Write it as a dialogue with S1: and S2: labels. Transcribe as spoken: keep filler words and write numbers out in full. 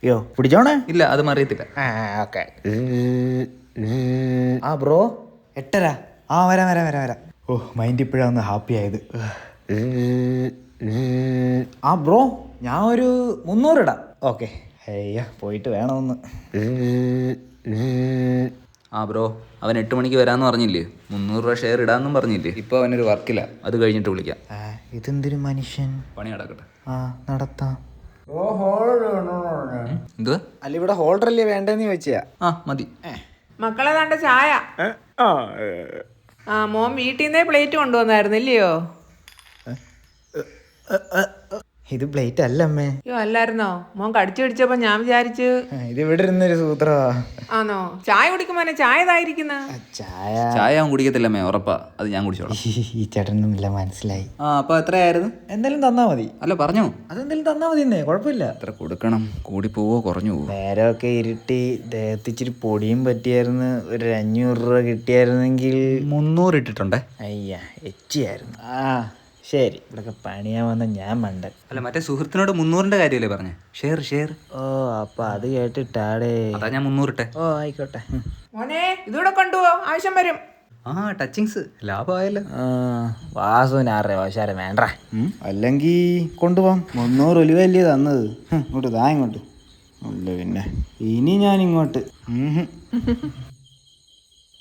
S1: അയ്യോ പിടിച്ചോണേ.
S2: ഇല്ല അത് മറിയത്തില്ല.
S1: ആ ഓക്കെ. ആ ബ്രോ എട്ടര. ആ വരാം വരാം വരാം വരാം. ഓ മൈൻഡ് ഇപ്പോഴാണ് ഒന്ന് ഹാപ്പി ആയത്. ആ ബ്രോ ഞാൻ ഒരു മുന്നൂറ് ഇടാം. ഓക്കെ. അയ്യോ പോയിട്ട് വേണമെന്ന്.
S2: ആ ബ്രോ അവൻ എട്ട് മണിക്ക് വരാമെന്ന് പറഞ്ഞില്ലേ? മുന്നൂറ് രൂപ ഷെയർ ഇടാമെന്നും പറഞ്ഞില്ലേ? ഇപ്പോൾ അവനൊരു വർക്കില്ല, അത് കഴിഞ്ഞിട്ട് വിളിക്കാം.
S1: ഇതെന്തൊരു മനുഷ്യൻ.
S2: പണി നടക്കട്ടെ.
S1: ആ നടത്താം.
S2: എന്തുവാ?
S1: അല്ല ഇവിടെ ഹോൾഡർ അല്ലേ വേണ്ടെന്ന് ചോദിച്ചാ.
S2: ആ മതി.
S3: മക്കളെ തണ്ട ചായ. ആ മോൻ വീട്ടിൽ നിന്നേ പ്ലേറ്റ് കൊണ്ടുവന്നായിരുന്നില്ലയോ?
S1: ഇത് പ്ലേറ്റ് അല്ല അമ്മേ.
S3: അയ്യോ അല്ലായിരുന്നോ? മോൻ കടിച്ചു പിടിച്ചപ്പോ ഞാൻ വിചാരിച്ച്
S1: ഇത് ഇവിടെ ഇരുന്നൊരു സൂത്രവാ.
S3: ആണോ? ചായ കുടിക്കുമ്പോനെ ചായ ഇതായിരിക്കുന്ന
S1: ചായ
S2: ചായ അവൻ കുടിക്കത്തില്ലമ്മേ, ഉറപ്പാ. അത് ഞാൻ കുടിച്ചോളാം.
S1: ഈ ചേട്ടനൊന്നുമില്ല മനസ്സിലായി.
S2: ആ അപ്പൊ എത്രയായിരുന്നു?
S1: എന്തായാലും തന്നാ മതി.
S2: അല്ല പറഞ്ഞോ.
S1: അതെന്തായാലും തന്നാ മതി എന്നേ, കുഴപ്പമില്ല.
S2: എത്ര കൊടുക്കണം? കൂടി പോവോ കുറഞ്ഞു പോവോ?
S1: നേരമൊക്കെ ഇരുട്ടി ദേഹത്തിച്ചിരി പൊടിയും പറ്റിയായിരുന്നു. ഒരു അഞ്ഞൂറ് രൂപ കിട്ടിയായിരുന്നെങ്കിൽ.
S2: മുന്നൂറ് ഇട്ടിട്ടുണ്ടേ.
S1: അയ്യ എച്ചിയായിരുന്നു. ആ ശരി, ഇവിടൊക്കെ പണിയാൻ വന്ന ഞാൻ മണ്ടൻ.
S2: അല്ല മറ്റേ സുഹൃത്തിനോട് മുന്നൂറിന്റെ കാര്യമല്ലേ പറഞ്ഞേ? Share share.
S1: ഓ അപ്പൊ അത് കേട്ടിട്ടാടേ.
S2: അതാ ഞാൻ മുന്നൂറിട്ടെ.
S1: ഓ ആയിക്കോട്ടെ.
S3: മോനെ ഇതൂടെ കൊണ്ടുപോ, ആവശ്യം വരും.
S2: ആ ടച്ചിങ്സ് ലാഭമായല്ലോ.
S1: വാസുവിന് ആറേ വാശാരം വേണ്ട. അല്ലെങ്കിൽ കൊണ്ടുപോകാം. മുന്നൂറ് ഒലിവല്ലേ തന്നത്. ഇങ്ങോട്ട് താ ഇങ്ങോട്ട്. അല്ല പിന്നെ ഇനി ഞാൻ ഇങ്ങോട്ട്.